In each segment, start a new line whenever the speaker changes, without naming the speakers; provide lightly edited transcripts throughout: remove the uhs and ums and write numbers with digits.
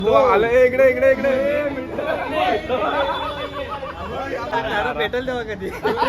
तो आलं इकडे इकडे इकडे
भेटेल तेव्हा कधी.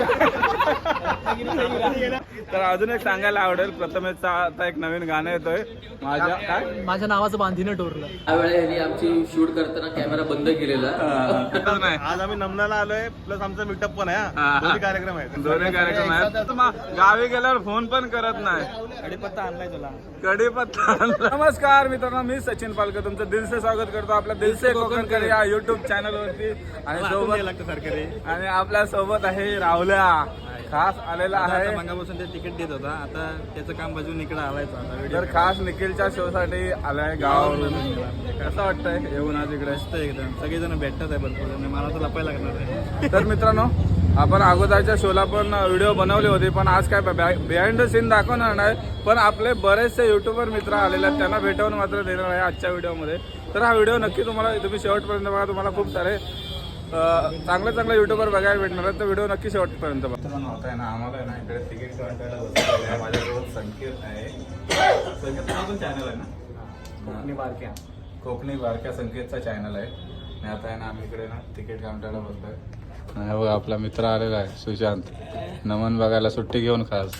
तर अजून एक सांगायला आवडेल, प्रथमेशचा आता एक नवीन गाणं येतोय माझ्या काय
माझ्या नावाचं बांधीनं टोरलं.
त्यावेळेला आमची शूट करताना कॅमेरा बंद केलेला.
नाही.
आज आम्ही नमनाला आलोय, प्लस आमचा मीटअप पण आहे. दोन्ही कार्यक्रम आहेत.
दोन्ही कार्यक्रम आहेत. गावी गेल्यावर फोन पण करत नाही.
कडीपत्ता आणलाय तुला.
कडीपत्ता. नमस्कार मित्रांनो, मी सचिन पालकर तुमचं दिलसे स्वागत करतो आपल्या दिलसे कोकणकर या युट्यूब चॅनल वरती. आणि सोबत आणि आपल्या सोबत आहे राहुल्या, खास आलेला आहे.
मंगापासून ते तिकीट देत होता, आता त्याचं काम बाजून इकडे आलाय.
तर खास निखिलच्या शो साठी आलाय गावावरून. कसं वाटतंय येऊन आज इकडे?
मस्त एकदम, सगळेजण भेटतात आहे भरपूर. मला तर लपायला लागणार आहे.
तर मित्रांनो, आपण अगोदरच्या शोला पण व्हिडिओ बनवले होते, पण आज काय बिहाइंड द सीन दाखवणार नाही. पण आपले बरेचसे युट्यूबर मित्र आलेले आहेत, त्यांना भेटवून मात्र देणार आहे आजच्या व्हिडिओमध्ये. तर हा व्हिडिओ नक्की तुम्ही शेवटपर्यंत बघा. तुम्हाला खूप सारे चांगले युट्यूबर बघायला भेटणार आहेत, तर व्हिडिओ नक्की शेवटपर्यंत बघा. होत आहे ना, आम्हाला ना इकडे तिकीट काउंटरला माझ्यासोबत संकेत आहे. संकेत चॅनल आहे ना, कोकणी बारक्या संकेतचा चॅनल आहे. आणि आता आहे ना, आम्ही इकडे ना तिकीट काउंटरला बसलोय. हे बघा, आपला मित्र आलेला आहे सुशांत, नमन बघायला सुट्टी घेऊन खास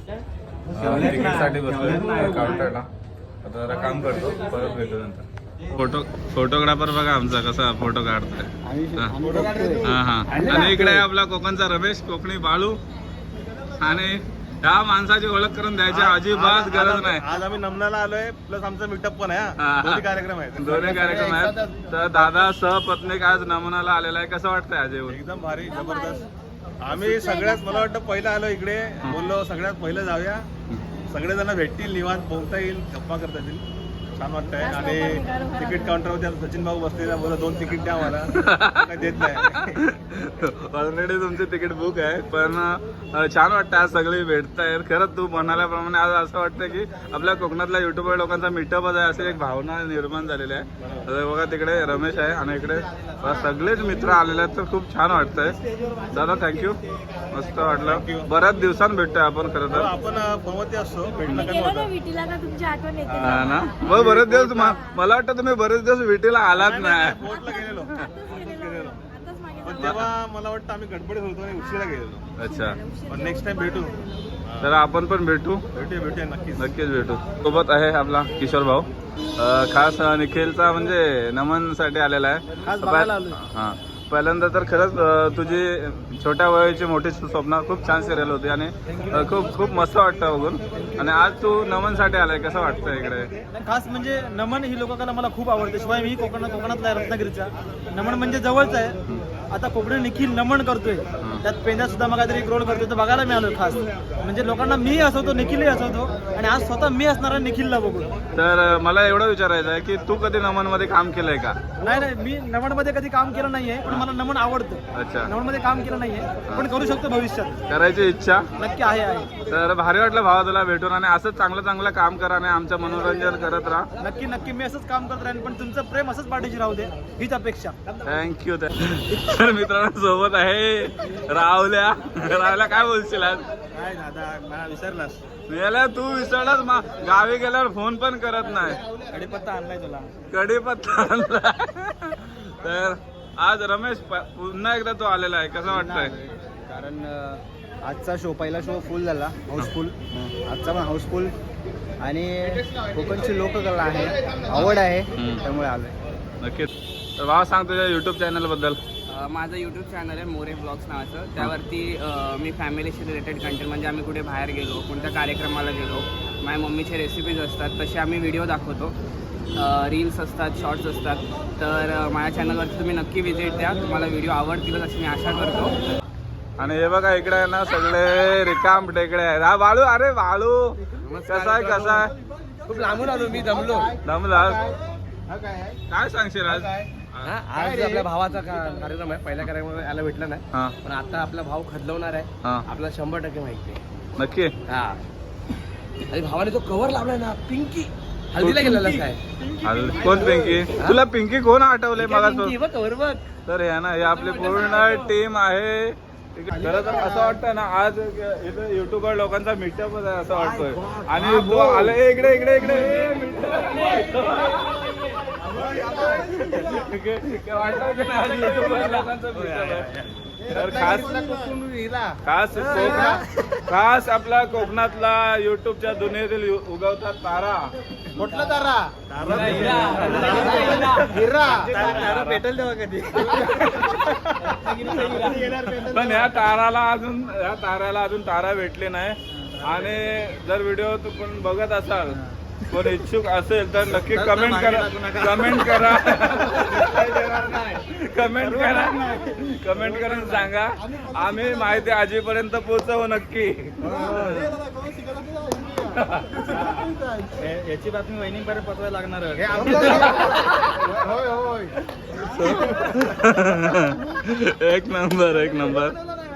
तिकीटसाठी बसलोय काउंटरला. आता जरा काम करतो, परत भेटू नंतर. फोटोग्राफर बघा आमचा कसा फोटो काढतोय. हा. आणि इकडे आहे आपला कोकणचा रमेश, कोकणी बाळू. आणि त्या माणसाची ओळख करून द्यायची अजिबात गरज नाही.
आज आम्ही नमनाला आलोय, प्लस आमचा मीटअप पण आहे. दोन्ही कार्यक्रम आहेत.
दोन्ही कार्यक्रम आहेत. तर दादा सहपत्नीक आज नमनाला आलेला आहे. कसं वाटतंय आज येऊन?
एकदम भारी, जबरदस्त. आम्ही सगळ्यात, मला वाटतं पहिलं आलो इकडे, बोललो सगळ्यात पहिलं जाऊया, सगळेजण भेटतील, निवांत बोलता येईल, गप्पा करता येईल, छान वाटतंय. आणि तिकीट काउंटरवर सचिन भाऊ बसलेला, बोला 2 तिकीट द्या मला, काही देत नाही.
ऑलरेडी तुमची तिकीट बुक आहे, पण छान वाटतं आज सगळे भेटतायत. खरंच तू म्हणाल्याप्रमाणे आज असं वाटतं की आपल्या कोकणातल्या युट्यूबर लोकांचा मीटअपच आहे, अशी एक भावना निर्माण झालेली आहे. तर बघा, तिकडे रमेश आहे आणि इकडे सगळेच मित्र आलेले आहेत, तर खूप छान वाटतंय. दादा थँक्यू, मस्त वाटलं. बऱ्याच दिवसांनी भेटतोय आपण खरं तर.
आपण फोनवरती असतो, भेटलं का
हा ना. मग बरेच दिवस मला वाटतं तुम्ही बरेच दिवस विटीला आलात नाही.
फोर्टला गेलेलो, पण तेव्हा मला वाटतं आम्ही गडबडीत होतो आणि उशिरा गेलेलो.
अच्छा,
पण नेक्स्ट टाइम भेटू.
तर आपण पण
भेटूया नक्कीच
भेटू. सोबत आहे आपला किशोर भाऊ, खास निखिलचा म्हणजे नमन साठी आलेला आहे. हा, पहिल्यांदा तर खरंच तुझी छोट्या वयाची मोठी स्वप्न खूप छान सिरियल होती आणि खूप मस्त वाटतं बघून. आणि आज तू नमन साठी आलाय, कसं वाटतं इकडे?
खास म्हणजे नमन ही लोककला मला खूप आवडते. शिवाय मी कोकणातला रत्नागिरीचा. नमन म्हणजे जवळच आहे. आता कोकणी निखिल नमन करतोय, त्यात पेंद्या सुद्धा मग काहीतरी एक रोल करतोय, तर बघायला मिळालो खास. म्हणजे लोकांना मी हसवतो, निखिलही हसवतो, आणि आज स्वतः मी असणार आहे निखिलला बघून.
तर मला एवढं विचारायचं आहे की तू कधी नमन मध्ये काम केलंय का?
नाही, मी नमन मध्ये कधी काम केलं नाहीये, पण मला नमन आवडतं.
अच्छा,
नमन मध्ये काम केलं नाहीये, पण करू शकतो भविष्यात.
करायची इच्छा
नक्की आहे.
तर भारी वाटलं भावा तुला भेटून. आणि असंच चांगलं काम करा आणि आमचं मनोरंजन करत राहा.
नक्की मी असंच काम करत राहीन, पण तुमचं प्रेम असंच पाठीशी राहू दे, हीच अपेक्षा.
थँक्यू. तर मित्रांनो, सोबत आहे राहुल्या. काय बोलशील आज?
काय दादा, मला विसरलास.
गेल्या तू विसरलास, गावी गेल्यावर फोन पण करत नाही.
कडीपत्ता आणलाय तुला.
कडीपत्ता आणला. तर आज रमेश पुन्हा एकदा तो आलेला आहे, कसं वाटतंय?
कारण आजचा शो, पहिला शो फुल झाला, हाऊसफुल. आजचा पण हाऊसफुल. आणि कोकणची लोककला आहे, आवड आहे, त्यामुळे आलोय.
नक्कीच. तर भावा सांग तुझ्या युट्यूब चॅनल बद्दल.
माझं यूट्यूब चॅनल आहे मोरे ब्लॉग्स नावाचं. त्यावरती मी फॅमिलीशी रिलेटेड कंटेंट, म्हणजे आम्ही कुठे बाहेर गेलो, कोणत्या कार्यक्रमाला गेलो, माझ्या मम्मीचे रेसिपीज असतात, तसे आम्ही व्हिडिओ दाखवतो. रील्स असतात, शॉर्ट्स असतात. तर माझ्या चॅनलवरती तुम्ही नक्की व्हिजिट द्या, तुम्हाला व्हिडिओ आवडतीलच अशी मी आशा करतो.
आणि हे बघा, इकडे आहे ना सगळे रिकाम टेकडे आहेत. हा बाळू, अरे बाळू कसा आहे?
खूप लांबून आलो मी,
दमला. काय सांगशील आज?
आज आपल्या भावाचा कार्यक्रम आहे. पहिल्या कार्यक्रम यायला भेटला नाही, पण आता आपला भाव खदलवणार आहे. आपल्याला 100% माहिती आहे.
नक्की.
हा, आणि भावाने जो कव्हर लावलाय ना, पिंकी, हल्दीला गेलेला काय?
कोण पिंकी? तुला पिंकी कोण आठवलंय मला?
कव्हर बघ.
तर हे ना, हे आपली पूर्ण टीम आहे. खरं तर असं वाटतं ना, आज इथं युट्यूबर लोकांचा मीटअपच आहे असं वाटतोय. आणि तो आलं इकडे वाटलं की नाही, आज YouTuber लोकांचा meetup आहे. तर खास आपला कोकणातला युट्यूबच्या दुनियेतील उगवता तारा
कुठला तारा हिरा भेटेल तेव्हा कधी
पण या ताऱ्याला अजून तारा भेटली नाही. आणि जर व्हिडिओ पण बघत असाल, कोण इच्छुक असेल तर नक्की कमेंट करा कमेंट करून सांगा. आम्ही माहिती आजीपर्यंत पोहोचवू नक्की.
याची बातमी वहिनीपर्यंत पटवायला लागणार
एक नंबर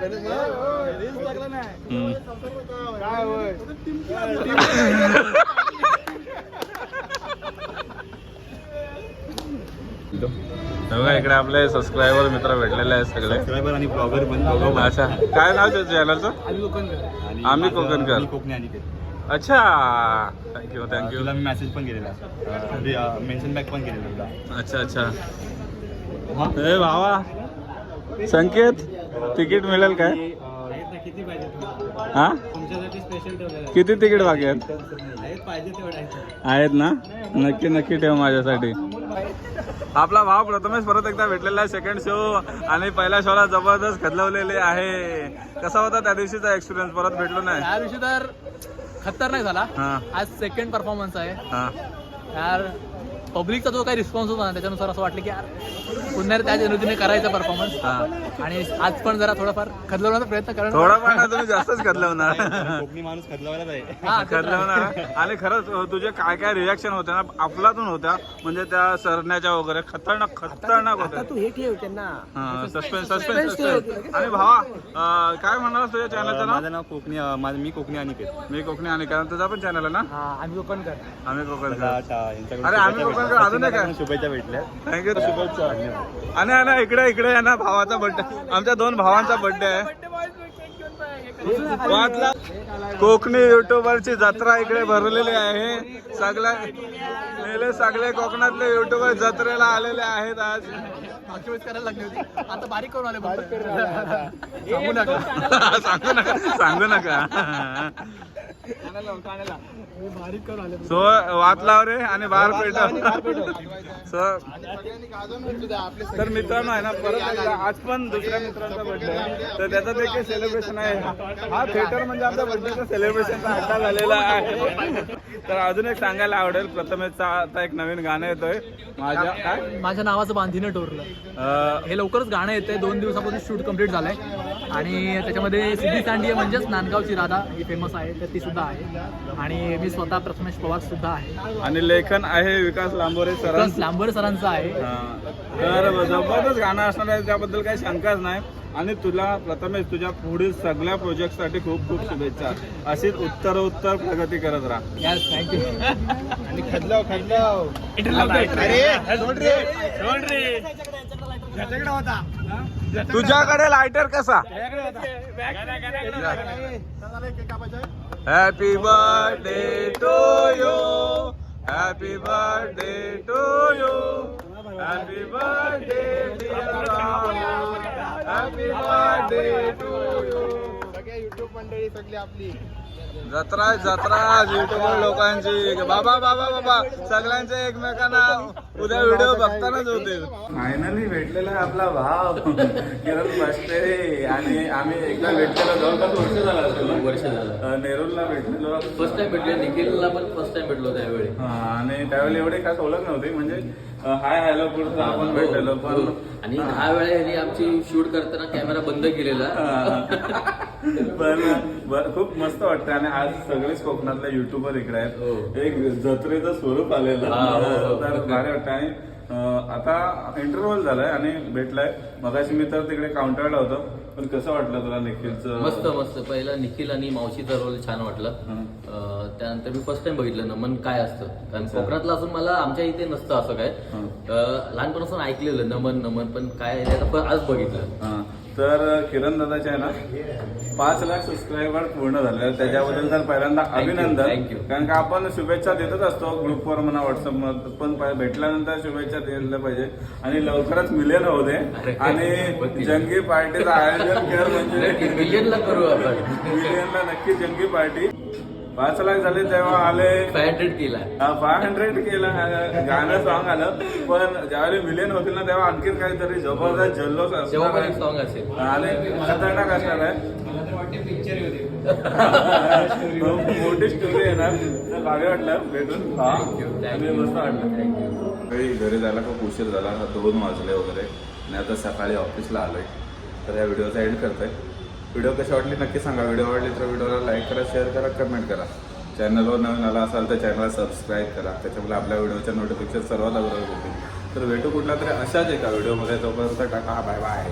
बघा इकडे आपले सबस्क्रायबर मित्र भेटलेले आहेत सगळे.
सबस्क्रायबर आणि ब्लॉगर पण.
अच्छा, काय नाव चॅनलचं? आम्ही कोकणकर.
कोकणी आणि
अच्छा, थँक्यू
तुला मी मेसेज पण केलेला, मेन्शन बॅक पण केलेला.
अच्छा. ए भावा, संकेत तिकीट मिळेल काय?
किती पाहिजे
हा,
तुमच्यासाठी स्पेशल ठेवलेलं
किती तिकीट बाकी आहेत?
पाहिजे तेवढं
आहेत ना? नक्की ठेव माझ्यासाठी. आपला भाव प्रथमेश परत एकदा भेटलेला आहे सेकंड शो, आणि पहिल्या शोला जबरदस्त खदलवलेले आहे. कसा होता त्या दिवशीचा एक्सपिरियन्स? परत भेटलो नाही
त्या दिवशी तर खतरनाक झाला.
हा
आज सेकंड परफॉर्मन्स आहे
हा.
यार. पब्लिकचा जो काही रिस्पॉन्स होता ना, त्याच्यानुसार असं वाटलं की यार पुन्हा त्या जनतेने करायचा परफॉर्मन्स. आणि आज पण जरा थोडाफार खदलवण्याचा प्रयत्न करणं.
थोडा ना तुम्ही जास्तच खदलवणार.
कोकणी माणूस खदलावायलाच आहे.
खदलवणार. आणि खरंच तुझे काय रिॲक्शन होते ना अफलातून होत्या, म्हणजे त्या सरण्याच्या वगैरे खतरनाक होत्या.
तू हे ठेव त्यांना.
सस्पेन्स. आणि भावा, काय म्हणाला तुझ्या चॅनलचं नाव?
माझं नाव कोकणी, मी कोकणी अनिकेत.
मी कोकणी आणि कारण तुझा पण चॅनल आहे ना?
आम्ही ओपन कर.
आम्ही कोकण.
यांच्याकडून
अरे आम्ही कोकण अजून काय
शुभेच्छा भेटल्या.
थँक्यू. शुभेच्छा. आणि इकडे आहे ना भावाचा बर्थडे, आमच्या 2 भावांचा बर्थडे आहे. कोकणी युट्यूबरची जत्रा इकडे भरलेली आहे. सगळे कोकणातले युट्यूबर जत्रेला आलेले आहेत आज.
करायला लागली होती, आता बारीक करून आले.
सांगू नका.
बारीक करून आले.
सो वातलाव रे आणि बाहेर पेट. तर मित्रांनो आहे ना, परत एकदा आज पण दुसऱ्या मित्रांचा बर्थडे आहे, तर त्याचं देखील सेलिब्रेशन आहे. हा थिएटर म्हणजे आमच्या बर्थडेचा सेलिब्रेशनचा अड्डा झालेला आहे. तर अजून एक सांगायला आवडेल, प्रथमेशचा आता एक नवीन गाणं येतोय
माझ्या नावाचं बांधीनं टोरलं. हे लवकरच गाणं येतंय. 2 दिवसापासून शूट कम्प्लीट झालंय. आणि त्याच्यामध्ये सिद्धी सांडिये म्हणजेच नांदगावची राधा ही फेमस आहे, तर ती सुद्धा आहे. आणि मी स्वतः प्रथमेश पवार सुद्धा आहे.
आणि लेखन आहे विकास लांबोरे
सरांचं आहे.
तर जबरदस्त गाणं असणार आहे, त्याबद्दल काही शंकाच नाही. आणि तुला प्रथमेश तुझ्या पुढील सगळ्या प्रोजेक्टसाठी खूप खूप शुभेच्छा. अशीच उत्तर प्रगती करत राहा.
Yes, thank you.
आणि तुझ्याकडे लायटर कसा? Happy birthday to you, happy birthday to you, happy birthday dear Rahul, happy birthday to you. YouTube मंडळी सगळी आपली जत्रा युट्यूबर लोकांची. बाबा सगळ्यांचे एकमेकांना उद्या व्हिडिओ बघतानाच होतील. फायनली भेटलेला आहे आपला भाव किरण बसते. आणि आम्ही एकदा भेटलेलो, जवळपास वर्ष झालं नेरूरला भेटलेलो.
फर्स्ट टाइम भेटले. निखिलला पण फर्स्ट टाइम भेटलो त्यावेळी.
आणि त्यावेळी एवढी खास ओळख नव्हती, म्हणजे हाय हॅलो पुढचा आपण भेटलेलो. पण
आणि 10 वेळा ह्यांनी आमची शूट करताना कॅमेरा बंद केलेला.
पण खूप मस्त वाटतं. आणि आज सगळेच कोकणातले युट्यूबर इकडे आहेत. एक जत्रेचं स्वरूप आलेलं, तर भारी वाटतं. आणि आता इंटरव्ह्यू झालाय आणि भेटलाय. मगाशी मी तर तिकडे काउंटरला होतो. पण कसं वाटलं तुला निखिलचं?
मस्त. पहिला निखिल आणि मावशीचा रोल छान वाटला. त्यानंतर मी फर्स्ट टाइम बघितलं नमन काय असतं. कारण कोकणातलं असून मला आमच्या इथे नसतं असं काय. लहानपणापासून ऐकलेलं नमन, पण काय आज बघितलं.
तर किरण दादाचे आहे ना 5 लाख सबस्क्रायबर पूर्ण झाले, त्याच्याबद्दल तर पहिल्यांदा अभिनंदन.
thank you.
कारण का आपण शुभेच्छा देतच असतो ग्रुपवर म्हणा व्हॉट्सअपवर, पण भेटल्यानंतर शुभेच्छा द्यायला पाहिजे आणि लवकरच मिलियन होऊ दे आणि जंगी पार्टीचं आयोजन कर म्हणजे
मिलियनला करू आपण.
मिलियनला नक्की जंगी पार्टी. 5 लाख झाले तेव्हा आले
500 केला.
500 केला गाणं सॉन्ग आलं, पण ज्यावेळी मिलियन होतील ना तेव्हा आणखीन काहीतरी जबरदस्त जल्लोष
तेव्हा
असणार
पण एक
आहे
सॉन्ग असेल.
आणि खतरनाक असणार आहे. मोठी स्टोरी येणार. तर भारी वाटलं भेटून आणि मस्त वाटलं. काही घरी जायला खूप उशीर झाला, 2 वाजले वगैरे आणि आता सकाळी ऑफिसला आलोय. तर या व्हिडिओचा एंड करतोय. व्हिडिओ कशी वाटली नक्की सांगा. व्हिडिओ आवडली तर व्हिडिओला लाईक करा, शेअर करा, कमेंट करा. चॅनलवर नवीन आला असाल तर चॅनलला सबस्क्राईब करा, त्याच्यामुळे आपल्या व्हिडिओच्या नोटिफिकेशन सर्वात अगोदर होतील. तर भेटू कुठल्या तरी अशाच एका व्हिडिओमध्ये. तोपर्यंत टाटा, बाय बाय.